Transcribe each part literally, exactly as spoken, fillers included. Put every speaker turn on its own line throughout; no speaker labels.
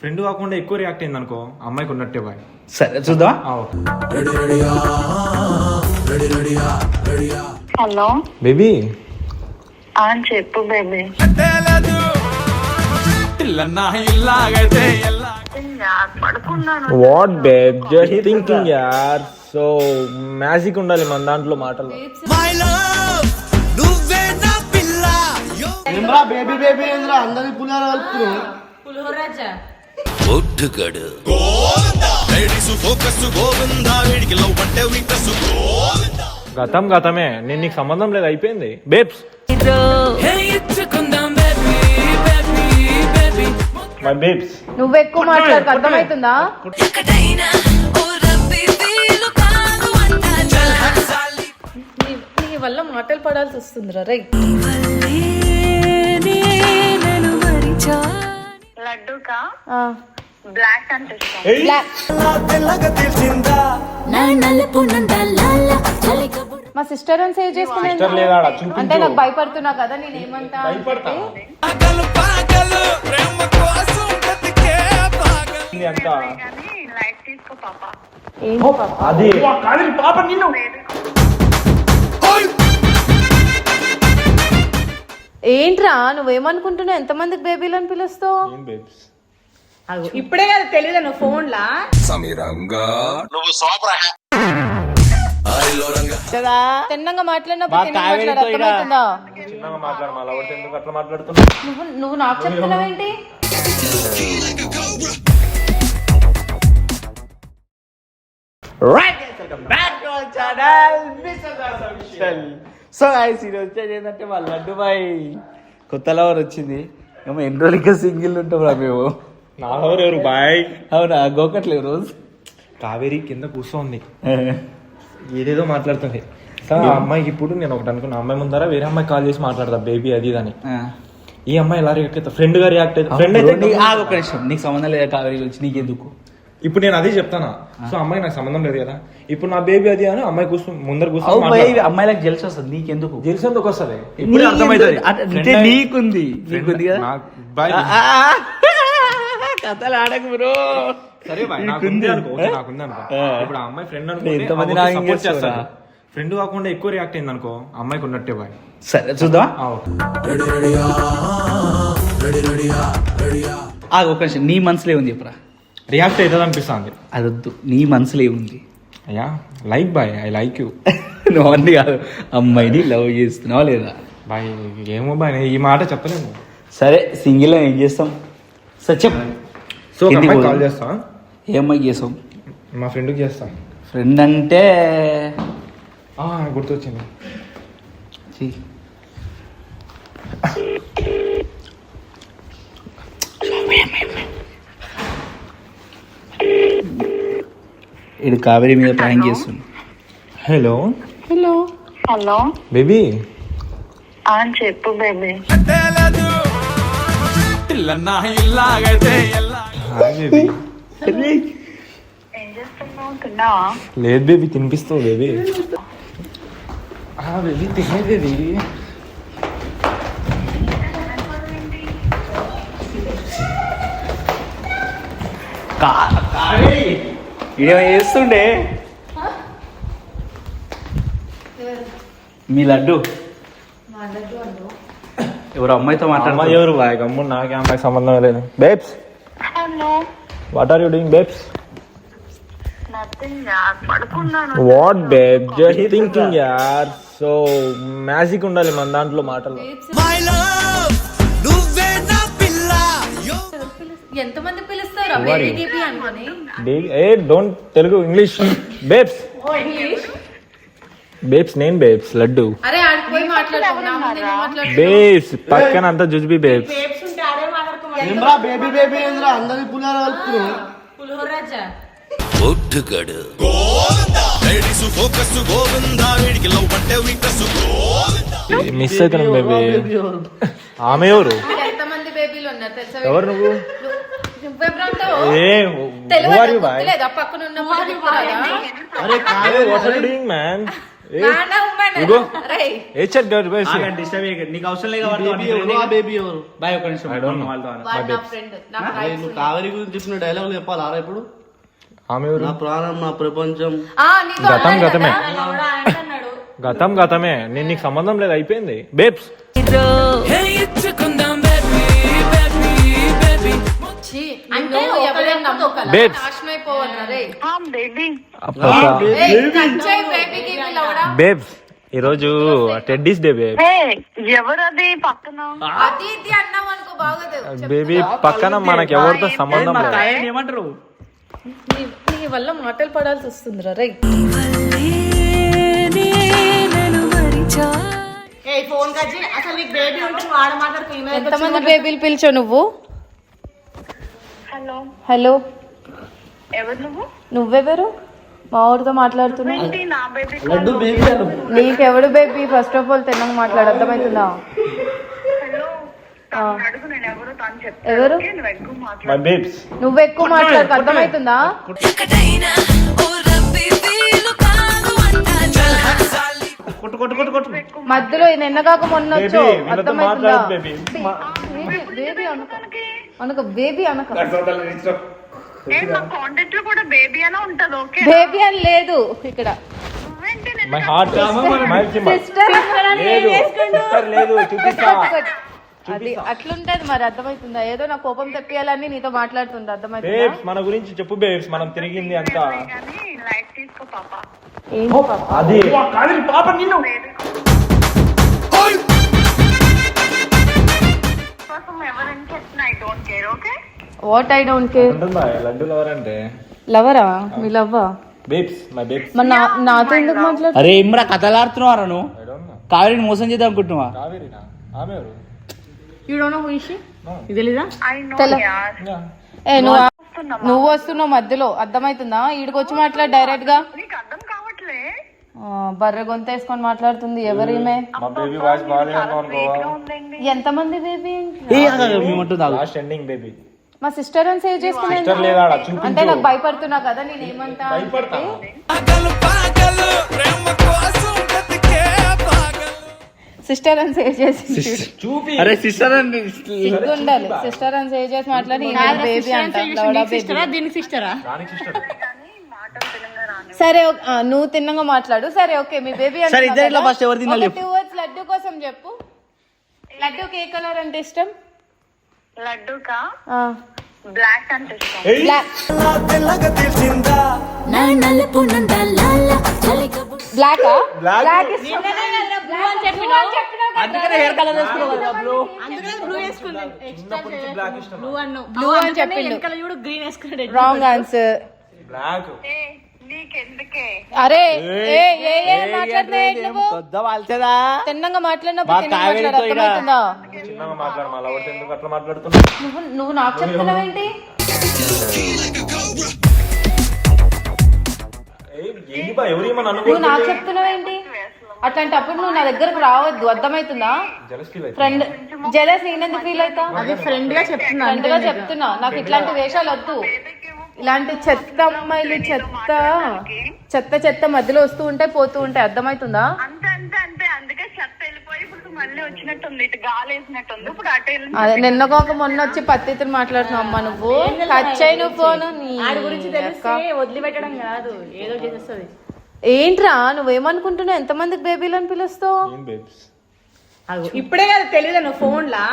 Friend కాకుండా ఎక్కువ react అయింది అనుకో అమ్మాయికి ఉన్నట్టే బాయ్.
సరే చూద్దాం.
హలో
బేబీ
చెప్పు బేబీ. పడుకున్నాను.
వాట్ బేబ్ జస్ట్ థింకింగ్ యార్. సో మ్యాజిక్ ఉండాలి మన దాంట్లో మాటలు.
బేబీ బేబీ అందరి పులిహోర కలుపుతున్నావు.
గతం గతమే, నేను నీకు సంబంధం లేదు, అయిపోయింది బేబ్స్. మై బేబ్స్
నువ్వు ఎక్కువ మాట్లాడక అర్థమవుతుందా? నీ వల్ల మాటలు పడాల్సి వస్తుందిరా రై.
లడ్డూకా బ్లాక్ అంటే
మా సిస్టర్ అని సేవ్ చేసుకున్నా అంటే నాకు భయపడుతున్నా కదా నేను ఏమంటా
లైట్ తీసుకో పాప.
అది పాప నిన్ను
ఏంట్రా నువ్వేమనుకుంటున్నావు? ఎంతమందికి బేబీలు అని పిలుస్తావు?
ఇప్పుడే కదా తెలియదు నువ్వు ఫోన్ లా
తిన్నంగా మాట్లాడినప్పుడు అర్థమవుతుందా? నువ్వు నువ్వు నాకు చెప్తున్నావేంటి?
సో గైస్ ఈరోజు వచ్చేది ఏంటంటే మా లడ్డు బాయ్ కొత్త లవర్ వచ్చింది. ఏమో ఎన్ని రోజులు ఇంకా సింగిల్ ఉంటాం రా మేము.
నా ఎవరు బాయ్?
అవునా గోకట్లేదు రోజు.
కావేరి కింద కూర్చోంది ఏదేదో మాట్లాడుతుంది. ఆ అమ్మాయికి ఇప్పుడు నేను ఒకటి అనుకున్నా, అమ్మాయి ముందర వేరే అమ్మాయి కాల్ చేసి మాట్లాడతా బేబీ అది అని. ఈ అమ్మాయి ఎలా రియాక్ట్ అవుతా? ఫ్రెండ్ గా రియాక్ట్ అవుతా. ఫ్రెండ్ అయితే
ఒక నిమిషం, నీకు సంబంధం లేదా కావేరి గురించి? నీకెందుకు?
ఇప్పుడు నేను అదే చెప్తానా. సో అమ్మాయి నాకు సంబంధం లేదు కదా, ఇప్పుడు నా బేబీ అది అని అమ్మాయి కూర్చో ముందర కూర్చొని
అమ్మాయిలకు జెల్స్ వస్తుంది, నీకెందుకు?
జెల్స్ ఎందుకు వస్తుంది? ఇప్పుడు అర్థమవుతుంది
నీకుంది నీకుంది కదా. కథలు ఆడకు బ్రో.
సరే నాకుంది అనుకో, నాకుంది అనుకో. ఇప్పుడు ఆ అమ్మాయి ఫ్రెండ్ అనుకో చేస్తాను. ఫ్రెండ్ కాకుండా ఎక్కువ రియాక్ట్ అయింది అనుకో అమ్మాయికి ఉన్నట్టే బాయ్.
సరే చూద్దాం. ఒక నిమిషం, నీ మనసులో ఏముంది చెప్పరా?
రియాక్ట్ అవుతుంది అనిపిస్తుంది.
అది వద్దు, నీ మనసులో ఏముంది?
అయ్యా like boy, I like you.
నువ్వు అన్ని కాదు, అమ్మాయిని లవ్ చేస్తున్నావా లేదా?
బాయ్ ఏమో బాయ్, ఈ మాట చెప్పలేము.
సరే సింగిల్ ఏం చేస్తాం? సరే చెప్పు.
సో కాల్ చేస్తా.
ఏ అమ్మాయికి చేస్తాం?
మా ఫ్రెండ్కి చేస్తా.
ఫ్రెండ్ అంటే
గుర్తొచ్చింది.
ఇది కావేరి మీద ప్లాన్ చేస్తుంది.
హలో
హలో
హలో
బేబీ
చెప్పు బేబీ. ఏం చేస్తున్నావు? తిన్నావా?
లేదు బేబీ, తినిపిస్తావు బేబీ. బేబీ తినే బేబీ.
ఇదేమో చేస్తుండే మీ లడ్డు ఎవరు అమ్మాయితో మాట్లాడమా?
ఎవరు బాయ్? గమ్ము, నాకే అమ్మాయి సంబంధం లేదు. Babes
hello
what are you doing babes?
Nothing పడుకున్నాను.
వాట్ బేబ్ జస్ట్ థింకింగ్ యార్. సో మ్యాజిక్ ఉండాలి మన దాంట్లో మాటలు.
ఎంతమంది పిలుస్తారు
don't Telugu English. Babes babes నేను బేబ్స్ లడ్డు.
అరే ఆడిపోయి మాట్లాడుతున్నా
బేబ్స్ పక్కన అంతా జుజ్బి బేబ్స్.
బేబీ బేబీ అందరి పులిహోర కలుపుతున్నావు.
మిస్ అవుతున్నాం బేబీ. ఆమె ఎవరు?
ఎంతమంది బేబీలు ఉన్నారు తెలుసా?
ఎవరు నువ్వు?
పక్కన
అరే what are you doing man? ఇగో ఏ చెక్ గడ్ బై
ఆగండి, డిస్టర్బ్ చేయకండి. నీకు అవసరం లేదు కాబట్టి
బేబీ ఎవరు ఆ బేబీ ఎవరు
బాయ్ ఒక నిమిషం
I don't know.
వాళ్ళతో అన్న.
అరే, నువ్వు కావేరి గురించి చెప్పిన డైలాగులు చెప్పాలా ఇప్పుడు?
ఆమె ఎవరు?
నా ప్రాణం నా ప్రపంచం.
గతం గతమే గతం గతమే నేను నీకు సంబంధం లేదు అయిపోయింది బేబ్స్
అంటే ఎవరైనా
Babes.
బేబీ
బేబ్స్ ఈ రోజు టెడ్డీస్ డే బేబ్
హే ఎవరది పక్కన?
అది ఇది అన్నావు అనుకో బాగోదు.
బేబీ పక్కన మనకి ఎవరితో సంబంధం
మా
లేదు
కాయని ఏమంటారు?
నీ- నీ వల్ల మాటలు పడాల్సి వస్తుందిరా రై.
ఫోన్ కచ్చి అసలు నీకు బేబీ ఉంటే నువ్వు ఆడ మాట్లాడుకో.
ఎంతమంది బేబీలు పిలిచావు నువ్వు?
హలో
హలో,
ఎవరు నువ్వు?
నువ్వెవరు? మా ఊరితో మాట్లాడుతున్నావు.
ఏంటి నా బేబీ?
లడ్డు బేబీ అను.
నీకెవడు బేబీ? ఫస్ట్ ఆఫ్ ఆల్ తిన్నాక మాట్లాడు, అర్థమవుతుందా?
హలో తను అడుగు, నేను ఎవరు తను చెప్తాను.
ఎవరు?
ఓకే, నువ్వు ఎక్కువ
మై
మాట్లాడు.
బేబ్స్
నువ్వు ఎక్కువ మాట్లాడు, అర్థమవుతుందా?
కొట్టు కొట్టు కొట్టు కొట్టు.
మధ్యలో నిన్నగాక మొన్న
బేబీ
వచ్చావు,
వీళ్ళతో
అర్థమవుతుందా?
మాట్లాడదు బేబీ
బేబీ అనక అనక బేబీ అనక
ఏ మా కాంటాక్ట్ లో కూడా బేబీ అనే ఉంటది. ఓకే
బేబీ అని లేదు ఇక్కడ.
నువ్వేంటి నేను
మై హార్ట్ మై
సిస్టర్
లేదు సిస్టర్ లేదు చూపిస్తా
అది అట్లుంటది మరి, అర్థమవుతుందా? ఏదో నా కోపం తెప్పియాలని నీతో మాట్లాడుతుంది, అర్థమవుతుందా?
బేబ్స్ మన గురించి చెప్పు బేబ్స్ మనం తిరిగింది అంతా
కానీ లైట్ తీసుకో పాప.
ఏంటి పాప?
అది
పాప నిన్ను
కోసం ఎవరైనా చెప్పిన I don't care. Okay
what I don't care.
ఉంటుందా లడ్డు లవర్ అంటే
లవరా? మీ లవ్వా?
బేబ్స్ మై బేబ్స్
మరి నా- నాతో ఎందుకు మాట్లాడు?
అరే ఇమ్రా కథలాడుతున్నావా నువ్వు?
ఐ డోంట్ నో
కావేరిని మోసం చేద్దాం అనుకుంటున్నావా?
కావేరినా ఆమె ఎవరు
you don't know who is she? ఇది తెలీదా?
ఐ నో
తెల-
యార్.
ఏ నువ్వు నువ్వు వస్తున్నావు మధ్యలో, అర్థమవుతుందా? ఈడికి వచ్చి మాట్లాడు డైరెక్ట్ గా.
నీకు అర్థం కావట్లే?
ఆ, బర్రె గొంత వేసుకొని మాట్లాడుతుంది ఎవరిమే?
మా బేబీ వాయిస్ బాగాలేదు అనుకోవా
ఉందండి.
ఎంతమంది బేబీ?
మేమంటుందా?
లాస్ట్ ఎండింగ్ బేబీ
మా సిస్టర్ అని సేవ్ చేసుకునే
సిస్టర్ లేదా ఆడ చూపించు
అంటే నాకు భయపడుతున్నా కదా, నేను ఏమంటా అని
భయపడతా
చెప్పి. సిస్టర్ అని సేవ్ చేసి
చూపి
అరే సిస్టర్ అండి
సిగ్గు ఉండాలి. సిస్టర్ అని సేవ్ చేసి మాట్లాడి బేబీ అంట లవడా బేబీ.
దీనికి సిస్టరా?
దానికి సిస్టర్
మాటలు తెలంగాణ రాని.
సరే ఓ- ఆ, నువ్వు తిన్నగా మాట్లాడు. సరే ఓకే, మీ బేబీ
సరే, ఇద్దరిలో first ఎవరు తినాలి చెప్పు.
టూ వర్డ్స్ లడ్డు కోసం చెప్పు. లడ్డూకి ఏ కలర్ అంటే ఇష్టం?
లడ్డూకా
ఆ,
బ్లాక్ అంటే ఇష్టం.
బ్లాక్. బ్లాకా? బ్లాక్ ఇష్టం. బ్లూ అని చెప్పినావు కదా.
అందుకనే హెయిర్ కలర్ వేసుకున్నావు కదా బ్లూ.
అందుకనే బ్లూ వేసుకుంది.
బ్లాక్ ఇష్టం
బ్లూ అన్ను
బ్లూ అని చెప్పిండు.
వెనకాల చూడు గ్రీన్ వేసుకున్నాడు.
Wrong answer.
బ్లాక్
ఏ నీకెందుకే?
అరే ఏ ఏ ఏ మాట్లాడుతున్నాయి నువ్వు?
కొద్ద వాల్చదా?
తిన్నంగా మాట్లాడినప్పుడు
మా
తిన్నగా
కావేరితో
మాట్లాడు,
ఇలా-
అర్థమవుతుందా?
చిన్నగా మాట్లాడు మా లవర్ ఎందుకు అట్లా మాట్లాడుతున్నావు
నువ్వు నువ్వు నాకు చెప్తున్నావేంటి?
ఏంటి బా ఎవరు ఏమని
నువ్వు నాకు
అనుకో
చెప్తున్నావేంటి? అట్లాంటప్పుడు నువ్వు నా దగ్గరకు రావద్దు, అర్థమవుతుందా?
జలస్ ఫీల్ అయితే
ఫ్రెండ్ జెలస్ నేనెందుకు ఫీల్ అవుతా?
అది ఫ్రెండ్ గా చెప్తున్నా.
ఫ్రెండ్ గా చెప్తున్నా, నాకు ఇట్లాంటి వేషాలు వద్దు. ఇలాంటి చెత్త అమ్మాయిలు చెత్త చెత్త చెత్త మధ్యలో వస్తూ ఉంటాయి పోతూ ఉంటాయి, అర్థమవుతుందా?
అంతే అంతే అంతే. అందుకే చెత్త వెళ్ళిపోయి ఇప్పుడు మళ్ళీ వచ్చినట్టుంది, ఇటు గాలి వేసినట్టుంది. ఇప్పుడు అటు వెళ్ళి
అదే నిన్న ఒక మొన్న వచ్చి పత్తితులు మాట్లాడుతున్నావు అమ్మా నువ్వు. కచ్చాయి నువ్వు ఫోన్.
ఆడి గురించి తెలిస్తే వదిలిపెట్టడం కాదు, ఏదో చేసేస్తుంది.
ఏంట్రా నువ్వేమనుకుంటున్నావు? ఎంతమందికి బేబీలు అని పిలుస్తావు?
ఏం బేబ్స్
ఇప్పుడే కదా తెలియదు నువ్వు ఫోన్ లా.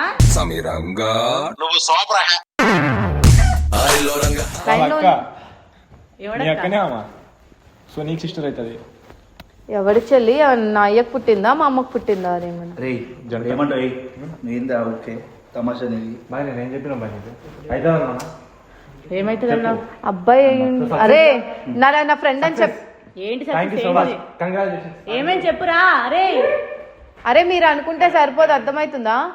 లైన్ లో
అక్క నీ అక్కనే అమ్మా సో నీకు సిస్టర్ అవుతుంది
ఎవడి చెల్లి? నా అయ్యకు పుట్టిందా మా అమ్మకు పుట్టిందా? అదేమన్నా
రే ఏమంటావు? ఏందా ఓకే తమాషా నీది.
బాయ్ నేనేం చెప్పినా బాయ్ నీకు అయితే అన్నా
ఏమైతుంది అన్నా?
అబ్బాయి అయ్యింది. అరే నా నా ఫ్రెండ్ అని చెప్.
ఏంటి
thank you so much congratulation
ఏమేమి చెప్పురా? అరే
అరే మీరు అనుకుంటే సరిపోదు, అర్థమవుతుందా?